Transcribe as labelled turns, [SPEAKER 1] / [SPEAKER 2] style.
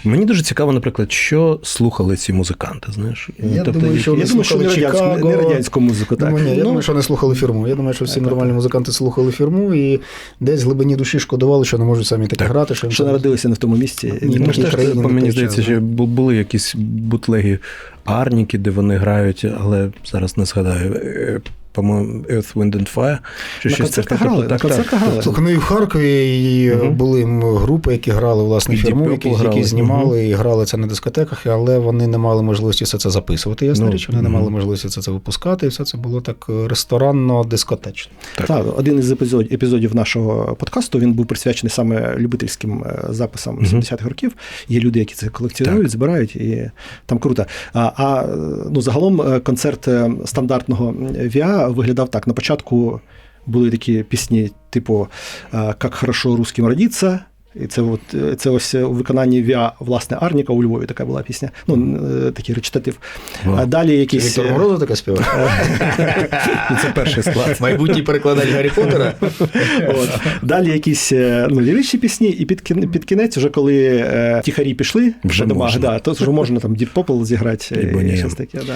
[SPEAKER 1] Мені дуже цікаво, наприклад, що слухали ці музиканти, знаєш?
[SPEAKER 2] Я думаю, що вони слухали Чикаго.
[SPEAKER 3] Не радянську музику, так.
[SPEAKER 2] Я думаю, що не слухали Фірму. Я думаю, що всі нормальні музиканти слухали Фірму і десь в глибині душі шкодували, що не можуть самі таке грати.
[SPEAKER 3] Що народилися не в тому місці.
[SPEAKER 1] Мені здається, що були якісь бутлеги Арніки, де вони грають, але зараз не згадаю. По-моєму, Earth, Wind and Fire.
[SPEAKER 3] На концертах грали.
[SPEAKER 2] Слухай, ну і в Харкові були групи, які грали, власне, Фірму, які знімали і грали це на дискотеках, але вони не мали можливості все це записувати, ясна річ, вони не мали можливості все це випускати, і все це було так ресторанно-дискотечно.
[SPEAKER 3] Так, один із епізодів нашого подкасту, він був присвячений саме любительським записам 70-х років. Є люди, які це колекціонують, збирають, і там круто. Загалом концерт стандартного ВІА виглядав так. На початку були такі пісні, типу «Как хорошо русским родиться». І це ось у виконанні ВІА, власне, Арніка у Львові така була пісня. Такий речитатив. А далі якісь...
[SPEAKER 2] Віктор Морозов таке співав?
[SPEAKER 1] Це перший склад.
[SPEAKER 2] Майбутній перекладач Гаррі Поттера.
[SPEAKER 3] Далі якісь ліричні пісні, і під кінець, вже коли тихарі пішли,
[SPEAKER 1] вже можна.
[SPEAKER 3] То вже можна там Deep Purple зіграти. І щось таке,